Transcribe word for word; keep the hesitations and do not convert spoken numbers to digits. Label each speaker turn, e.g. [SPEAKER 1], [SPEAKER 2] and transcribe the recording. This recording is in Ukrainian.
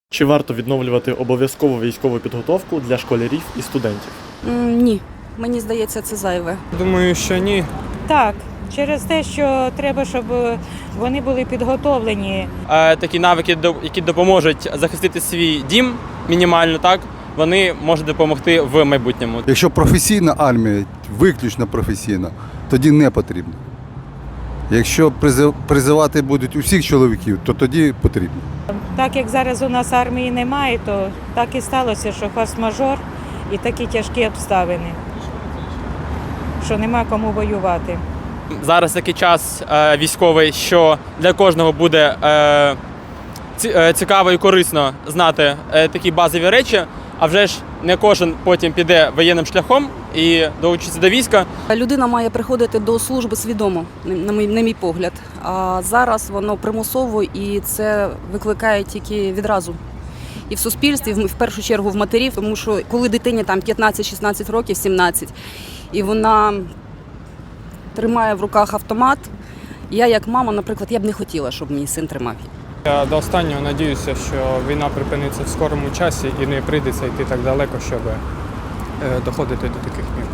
[SPEAKER 1] Чи варто відновлювати обов'язкову військову підготовку для школярів і студентів?
[SPEAKER 2] М, Ні, мені здається, це зайве.
[SPEAKER 3] Думаю, що ні.
[SPEAKER 4] Так, через те, що треба, щоб вони були підготовлені.
[SPEAKER 5] Е, Такі навики, до- які допоможуть захистити свій дім мінімально, так, вони можуть допомогти в майбутньому.
[SPEAKER 6] Якщо професійна армія, виключно професійна, тоді не потрібно. Якщо призив- призивати будуть усіх чоловіків, то тоді потрібно.
[SPEAKER 4] Так як зараз у нас армії немає, то так і сталося, що форс-мажор і такі тяжкі обставини, що нема кому воювати.
[SPEAKER 5] Зараз такий час е, військовий, що для кожного буде е, ці- е, цікаво і корисно знати е, такі базові речі, а вже ж не кожен потім піде воєнним шляхом і долучиться до війська.
[SPEAKER 2] Людина має приходити до служби свідомо, на мій, на мій погляд. А зараз воно примусово і це викликає тільки відразу. І в суспільстві, в в першу чергу в матерів, тому що коли дитині там п'ятнадцять-шістнадцять років, сімнадцять, і вона тримає в руках автомат, я як мама, наприклад, я б не хотіла, щоб мій син тримав.
[SPEAKER 3] Я до останнього надіюся, що війна припиниться в скорому часі і не прийдеться йти так далеко, щоб е, доходити до таких мір.